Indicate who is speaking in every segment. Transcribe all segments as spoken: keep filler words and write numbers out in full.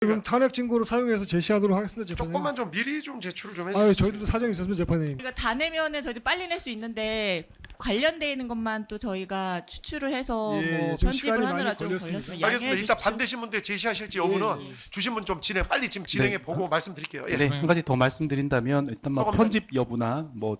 Speaker 1: 지금 탄핵 증거로 사용해서 제시하도록 하겠습니다. 재판장님.
Speaker 2: 조금만 좀 미리 좀 제출을 좀 해주세요.
Speaker 1: 아, 저희들도 사정이 있었으면 재판장님.
Speaker 3: 그러니까 다 내면은 저희도 빨리 낼 수 있는데 관련돼 있는 것만 또 저희가 추출을 해서
Speaker 1: 예,
Speaker 3: 뭐
Speaker 1: 좀
Speaker 3: 편집을
Speaker 1: 시간이
Speaker 3: 하느라
Speaker 1: 많이
Speaker 3: 좀
Speaker 1: 걸렸습니다.
Speaker 3: 걸렸으면 양해해
Speaker 2: 알겠습니다.
Speaker 3: 주십시오.
Speaker 2: 이따 반대신 분들 제시하실지 여부는
Speaker 1: 예, 예.
Speaker 2: 주신 분 좀 진행 빨리 지금 진행해 보고 말씀드릴게요. 예.
Speaker 4: 네, 한 가지 더 말씀드린다면 일단 뭐
Speaker 2: 서검사님.
Speaker 4: 편집 여부나 뭐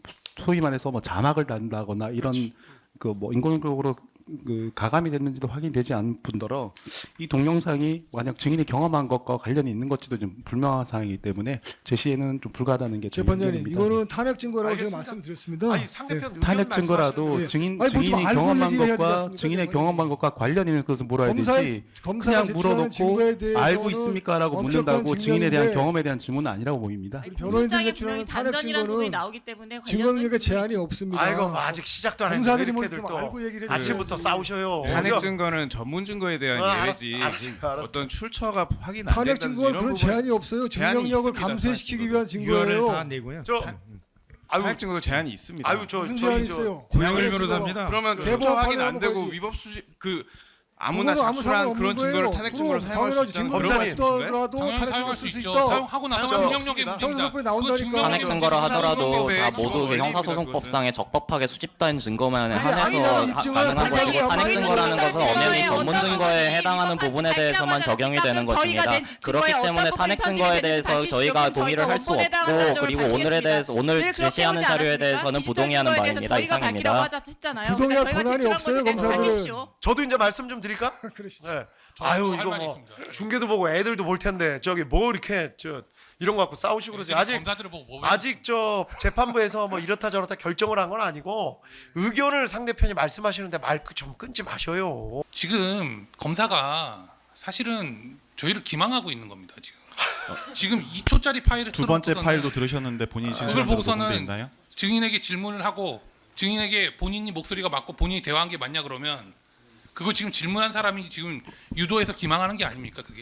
Speaker 4: 소위 말해서 뭐 자막을 단다거나 이런 그 뭐 인공적으로 그 가감이 됐는지도 확인되지 않은 분더러 이 동영상이 만약 증인이 경험한 것과 관련이 있는 것지도 좀 불명한 사항이기 때문에 제시에는 좀 불가하다는 게 저희
Speaker 1: 재판장님,
Speaker 4: 의견입니다.
Speaker 1: 이거는 탄핵 증거라고 제가
Speaker 2: 알겠습니다.
Speaker 1: 말씀드렸습니다.
Speaker 2: 아니 상대편 의견
Speaker 4: 탄핵 증거라도
Speaker 2: 말씀하시는
Speaker 1: 예.
Speaker 4: 증인
Speaker 1: 아니, 뭐좀
Speaker 4: 증인이
Speaker 1: 알고
Speaker 4: 경험한
Speaker 1: 얘기를 해야 되지
Speaker 4: 것과
Speaker 1: 않습니까,
Speaker 4: 증인의
Speaker 1: 재판장님?
Speaker 4: 경험한 것과 관련 있는 것을 물어야
Speaker 1: 검사,
Speaker 4: 되지
Speaker 1: 검사가
Speaker 4: 그냥
Speaker 1: 제출하는 증거에
Speaker 4: 물어놓고
Speaker 1: 대해서는
Speaker 4: 알고 있습니까라고
Speaker 1: 엄격한
Speaker 4: 묻는다고 증인에 대한
Speaker 1: 증명인데
Speaker 4: 경험에 대한 질문은 아니라고 보입니다.
Speaker 3: 아니,
Speaker 1: 변호인들이
Speaker 3: 공소장에
Speaker 1: 제출하는
Speaker 3: 분명히
Speaker 1: 탄핵
Speaker 3: 단전이라는 부분이
Speaker 1: 증거는
Speaker 3: 나오기 때문에
Speaker 1: 증거능력에
Speaker 3: 관련성이
Speaker 1: 제한이 없습니다.
Speaker 2: 아이고 뭐 아직 시작도 안 했는데 왜
Speaker 1: 검사들이 뭐
Speaker 2: 이렇게들
Speaker 1: 좀
Speaker 2: 또
Speaker 1: 알고 얘기를
Speaker 2: 아침부터
Speaker 1: 해줘야지.
Speaker 2: 싸우셔요.
Speaker 5: 탄핵
Speaker 2: 저-
Speaker 5: 증거는 전문 증거에 대한
Speaker 2: 아,
Speaker 5: 예외지.
Speaker 2: 알았어, 알았어, 알았어.
Speaker 5: 어떤 출처가 확인 안
Speaker 1: 탄핵
Speaker 5: 된다든지
Speaker 1: 증거는
Speaker 5: 이런
Speaker 1: 그런
Speaker 5: 부분
Speaker 1: 제한이 없어요.
Speaker 5: 제한이
Speaker 1: 증명력을
Speaker 5: 있습니다,
Speaker 1: 감쇄시키기
Speaker 5: 탄핵
Speaker 1: 위한
Speaker 6: 유언을
Speaker 1: 증거예요.
Speaker 6: 다 내고요.
Speaker 2: 저 아유
Speaker 5: 탄핵 증거도 제한이 있습니다.
Speaker 2: 아유 저
Speaker 1: 무슨
Speaker 2: 저희
Speaker 1: 제한이
Speaker 2: 저
Speaker 1: 있어요?
Speaker 6: 고영일
Speaker 1: 탄핵
Speaker 6: 변호사입니다.
Speaker 5: 그러면
Speaker 1: 대법원
Speaker 5: 출처 확인
Speaker 1: 판례
Speaker 5: 안 되고
Speaker 1: 한번
Speaker 5: 위법 수집 그 아무나
Speaker 1: 그거는 아무
Speaker 5: 자출한
Speaker 1: 상관없는
Speaker 5: 그런 증거를
Speaker 1: 거예요.
Speaker 5: 탄핵
Speaker 1: 그럼
Speaker 5: 증거로 사용할 수
Speaker 1: 당연하지.
Speaker 5: 있다는
Speaker 1: 증거를
Speaker 2: 검사님.
Speaker 1: 없더라도
Speaker 7: 당연히
Speaker 1: 탄핵
Speaker 7: 사용할
Speaker 1: 쓸
Speaker 7: 수
Speaker 1: 수
Speaker 7: 있죠.
Speaker 1: 있다.
Speaker 7: 사용하고 나서
Speaker 2: 사용할 수
Speaker 7: 증명력의
Speaker 5: 있습니다.
Speaker 7: 문제입니다.
Speaker 1: 형사소송법에 나온다니까.
Speaker 7: 그 증명력의
Speaker 8: 탄핵 증거라
Speaker 7: 문제입니다.
Speaker 8: 하더라도
Speaker 5: 사법법의
Speaker 8: 다
Speaker 5: 기본
Speaker 8: 모두 그
Speaker 5: 원리입니다,
Speaker 8: 형사소송법상에 적법하게 수집된 증거만에
Speaker 1: 아니,
Speaker 8: 한해서
Speaker 1: 아니라
Speaker 8: 하-
Speaker 1: 입증을
Speaker 8: 가능한
Speaker 1: 하는
Speaker 8: 것이고
Speaker 1: 거예요.
Speaker 8: 탄핵
Speaker 1: 저희는
Speaker 8: 증거라는 것은
Speaker 3: 증거에
Speaker 8: 엄연히
Speaker 3: 어떤
Speaker 8: 전문 증거에
Speaker 3: 부분이
Speaker 8: 해당하는
Speaker 3: 위법한
Speaker 8: 부분에 대해서만
Speaker 3: 발표라고
Speaker 8: 적용이
Speaker 3: 하지
Speaker 8: 되는
Speaker 3: 않습니까?
Speaker 8: 것입니다.
Speaker 3: 저희가 낸
Speaker 8: 그렇기
Speaker 3: 증거에
Speaker 8: 때문에
Speaker 3: 어떤
Speaker 8: 탄핵
Speaker 3: 부분이
Speaker 8: 증거에
Speaker 3: 편집이
Speaker 8: 대해서
Speaker 3: 되는지
Speaker 8: 저희가
Speaker 3: 밝히시죠.
Speaker 8: 동의를 할 수
Speaker 3: 저희가
Speaker 8: 없고
Speaker 3: 원본에다가
Speaker 8: 그리고
Speaker 3: 가져올
Speaker 8: 오늘에 대해서 오늘
Speaker 3: 늘 그렇게
Speaker 8: 제시하는
Speaker 3: 하지
Speaker 8: 자료에
Speaker 3: 않았습니까?
Speaker 8: 대해서는
Speaker 3: 디지털
Speaker 8: 부동의하는
Speaker 3: 증거에 대해서
Speaker 8: 바입니다.
Speaker 3: 저희가
Speaker 8: 이상입니다.
Speaker 3: 밝히라고 하자 했잖아요.
Speaker 1: 부동의할
Speaker 3: 그러니까 저희가
Speaker 1: 권한이
Speaker 3: 제출한
Speaker 1: 없어요,
Speaker 3: 것에 대해서
Speaker 1: 검사들은.
Speaker 3: 밝히십시오.
Speaker 2: 저도 이제 말씀 좀 드릴까?
Speaker 1: 그러시죠.
Speaker 2: 네. 아유
Speaker 7: 할
Speaker 2: 이거
Speaker 7: 말이
Speaker 2: 뭐
Speaker 7: 있습니다.
Speaker 2: 중계도 보고 애들도 볼 텐데 저기 뭐 이렇게 저 이런 거 갖고 싸우시고 그러세요. 아직
Speaker 7: 검사들을 보고 뭐
Speaker 2: 아직 저 재판부에서 뭐 이렇다 저렇다 결정을 한 건 아니고 의견을 상대편이 말씀하시는데 말 좀 끊지 마셔요.
Speaker 7: 지금 검사가 사실은 저희를 기망하고 있는 겁니다. 지금 지금 이 초짜리 파일을
Speaker 6: 두 번째
Speaker 7: 틀어놓고서는
Speaker 6: 파일도 들으셨는데 본인이
Speaker 7: 그걸
Speaker 6: 진술한 대로
Speaker 7: 보고서는
Speaker 6: 녹음돼 있나요?
Speaker 7: 증인에게 질문을 하고 증인에게 본인이 목소리가 맞고 본인이 대화한 게 맞냐 그러면 그거 지금 질문한 사람이 지금 유도해서 기망하는 게 아닙니까 그게?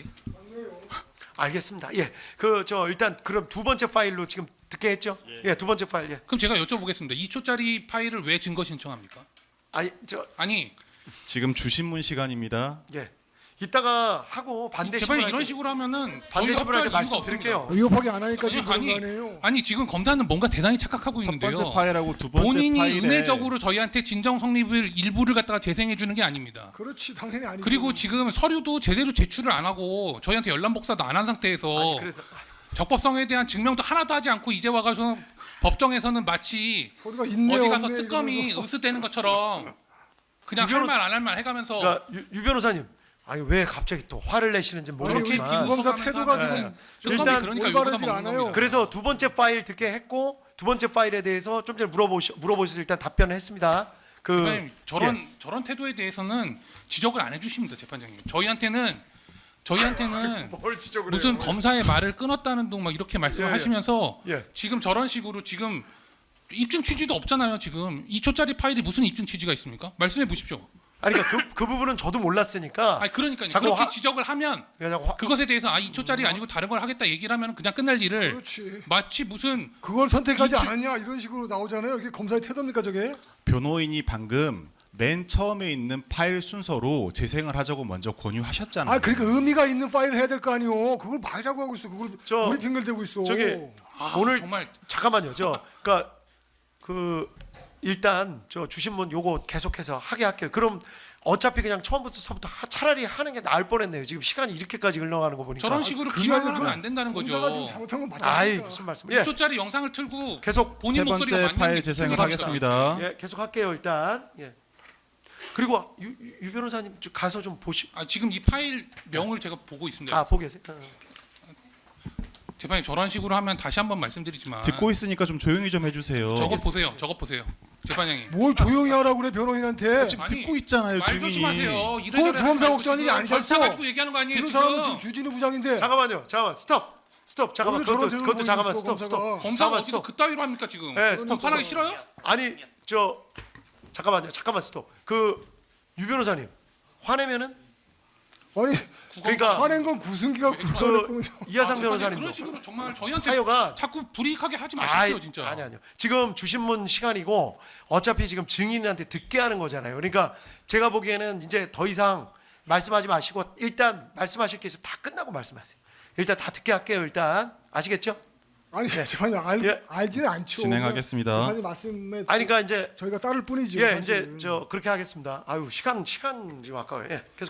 Speaker 2: 알겠습니다. 예, 그 저 일단 그럼 두 번째 파일로 지금 듣게 했죠? 예, 두 번째 파일. 예.
Speaker 7: 그럼 제가 여쭤보겠습니다. 이 초짜리 파일을 왜 증거 신청합니까?
Speaker 2: 아니 저
Speaker 7: 아니
Speaker 6: 지금 주신문 시간입니다.
Speaker 2: 예. 이따가 하고 반대
Speaker 7: 제발
Speaker 2: 신문
Speaker 7: 이런 식으로 하면은
Speaker 2: 반대
Speaker 7: 저희가
Speaker 2: 신문할 때
Speaker 7: 협조할 이유가
Speaker 2: 말씀드릴게요.
Speaker 1: 위협하게 안 하니까
Speaker 7: 아니,
Speaker 1: 지금 그런 거
Speaker 7: 아니,
Speaker 1: 아니에요.
Speaker 7: 아니 지금 검사는 뭔가 대단히 착각하고
Speaker 6: 첫
Speaker 7: 있는데요.
Speaker 6: 번째 파일하고 두 번째
Speaker 7: 본인이
Speaker 6: 파일에
Speaker 7: 은혜적으로 저희한테 진정 성립을 일부를 갖다가 재생해 주는 게 아닙니다.
Speaker 1: 그렇지, 당연히 아니죠.
Speaker 7: 그리고 지금 서류도 제대로 제출을 안 하고 저희한테 연락 복사도 안 한 상태에서
Speaker 2: 아니, 그래서
Speaker 7: 적법성에 대한 증명도 하나도 하지 않고 이제 와가지고 법정에서는 마치
Speaker 1: 서류가 있네,
Speaker 7: 어디 가서
Speaker 1: 없네
Speaker 7: 뜨검이
Speaker 1: 이러면서.
Speaker 7: 으스대는 것처럼 그냥
Speaker 2: 이거는-
Speaker 7: 할 말 안 할 말 해가면서
Speaker 2: 그러니까 유, 유 변호사님, 아니 왜 갑자기 또 화를 내시는지
Speaker 1: 아니,
Speaker 2: 모르겠지만
Speaker 1: 우리 김검사
Speaker 7: 구속하면서
Speaker 1: 태도가
Speaker 7: 네.
Speaker 1: 좀
Speaker 7: 뜨검이
Speaker 2: 일단
Speaker 7: 그러니까
Speaker 1: 올바르지가
Speaker 7: 욕보다 먹는
Speaker 1: 않아요.
Speaker 7: 겁니다.
Speaker 2: 그래서 두 번째 파일 듣게 했고 두 번째 파일에 대해서 좀 전에 물어보시 물어보셔서 일단 답변을 했습니다. 그
Speaker 7: 재판장님, 저런
Speaker 2: 예.
Speaker 7: 저런 태도에 대해서는 지적을 안 해주십니다, 재판장님. 저희한테는 저희한테는
Speaker 2: 뭘 지적을
Speaker 7: 무슨
Speaker 2: 해요?
Speaker 7: 검사의 말을 끊었다는 둥 막 이렇게 말씀을
Speaker 2: 예, 예.
Speaker 7: 하시면서
Speaker 2: 예.
Speaker 7: 지금 저런 식으로 지금 입증 취지도 없잖아요. 지금 이 초짜리 파일이 무슨 입증 취지가 있습니까? 말씀해 보십시오.
Speaker 2: 아니 그러니까 그, 그 부분은 저도 몰랐으니까
Speaker 7: 아니 그러니까요.
Speaker 2: 자꾸
Speaker 7: 그렇게
Speaker 2: 화-
Speaker 7: 지적을 하면
Speaker 2: 그냥 화,
Speaker 7: 그것에 대해서 아 이 초짜리 아니고 다른 걸 하겠다 얘기를 하면 그냥 끝날 일을
Speaker 1: 그렇지.
Speaker 7: 마치 무슨
Speaker 1: 그걸 선택하지
Speaker 7: 이 치-
Speaker 1: 않았냐 이런 식으로 나오잖아요. 이게 검사의 태도입니까 저게?
Speaker 6: 변호인이 방금 맨 처음에 있는 파일 순서로 재생을 하자고 먼저 권유하셨잖아요.
Speaker 1: 아, 그러니까 의미가 있는 파일을 해야 될 거 아니오. 그걸 말자고 하고 있어. 그걸
Speaker 2: 저-
Speaker 1: 우리 핑계대고 있어.
Speaker 2: 저기
Speaker 7: 아,
Speaker 2: 오늘
Speaker 7: 정말
Speaker 2: 잠깐만요. 저 그러니까 그 일단 저 주신문 요거 계속해서 하게 할게요. 그럼 어차피 그냥 처음부터서부터 하- 차라리 하는 게 나을 뻔했네요. 지금 시간이 이렇게까지 흘러가는 거 보니까.
Speaker 7: 저런 식으로
Speaker 1: 그게
Speaker 7: 기망을
Speaker 1: 아니라
Speaker 7: 하면 안 된다는
Speaker 1: 검사가 지금
Speaker 7: 거죠.
Speaker 1: 잘못한 건 맞아.
Speaker 2: 아이 무슨 말씀? 예,
Speaker 7: 이 초짜리 영상을 틀고
Speaker 2: 계속
Speaker 7: 본인
Speaker 6: 세
Speaker 7: 목소리가
Speaker 6: 번째
Speaker 7: 맞는
Speaker 6: 파일
Speaker 7: 게
Speaker 6: 재생을
Speaker 7: 계속합시다.
Speaker 6: 하겠습니다.
Speaker 2: 예, 계속 할게요 일단. 예. 그리고 유, 유- 유 변호사님 좀 가서 좀 보시.
Speaker 7: 아, 지금 이 파일 명을 제가 보고 있습니다.
Speaker 2: 아 보고 계세요. 어.
Speaker 7: 재판님 저런 식으로 하면 다시 한번 말씀드리지만
Speaker 6: 듣고 있으니까 좀 조용히 좀 해주세요.
Speaker 7: 저거 보세요. 저거 보세요. 재판장님.
Speaker 1: 뭘 조용히 하라고 그래 변호인한테.
Speaker 6: 지금
Speaker 7: 아니,
Speaker 6: 듣고 있잖아요,
Speaker 7: 말
Speaker 6: 증인이.
Speaker 7: 조심하세요.
Speaker 1: 그건
Speaker 7: 이래저래
Speaker 1: 구검사
Speaker 7: 하지 말고
Speaker 1: 걱정한 일이
Speaker 7: 지금
Speaker 1: 아니잖아.
Speaker 7: 절차 가지고 얘기하는 거 아니에요
Speaker 1: 그런
Speaker 7: 지금.
Speaker 1: 사람은 지금 주진우 부장인데.
Speaker 2: 잠깐만요. 잠깐만 스톱. 스톱. 잠깐만.
Speaker 1: 오늘 저런
Speaker 2: 그것도
Speaker 1: 태도를
Speaker 2: 그것도 잠깐만
Speaker 1: 보이고
Speaker 2: 스톱
Speaker 1: 있어,
Speaker 2: 스톱.
Speaker 1: 검사가.
Speaker 7: 검사가
Speaker 2: 잠깐만,
Speaker 7: 어디서
Speaker 2: 스톱.
Speaker 7: 그따위로 합니까 지금?
Speaker 2: 네, 스톱,
Speaker 7: 판하기
Speaker 2: 스톱.
Speaker 7: 싫어요?
Speaker 2: 아니 저 잠깐만요. 잠깐만 스톱. 그 유 변호사님 화내면은
Speaker 1: 아니
Speaker 2: 그러니까
Speaker 1: 화낸 건 구승기가
Speaker 2: 그
Speaker 1: 그거를
Speaker 2: 이하상
Speaker 7: 아,
Speaker 2: 변호사님도
Speaker 7: 그런 식으로 정말 저희한테
Speaker 2: 하여간
Speaker 7: 자꾸 불이익하게 하지
Speaker 2: 아이,
Speaker 7: 마십시오 진짜.
Speaker 2: 아니 아니요. 지금 주신문 시간이고 어차피 지금 증인한테 듣게 하는 거잖아요. 그러니까 제가 보기에는 이제 더 이상 말씀하지 마시고 일단 말씀하실 게 있으면 다 끝나고 말씀하세요. 일단 다 듣게 할게요. 일단 아시겠죠?
Speaker 1: 아니 잠깐만요. 알,
Speaker 2: 예.
Speaker 1: 알지는 않죠.
Speaker 6: 진행하겠습니다.
Speaker 1: 그냥 말씀에
Speaker 2: 아니 그러니까 이제
Speaker 1: 저희가 따를 뿐이죠.
Speaker 2: 예
Speaker 1: 사실은.
Speaker 2: 이제 저 그렇게 하겠습니다. 아유 시간 시간 지금 아까워요. 예 계속.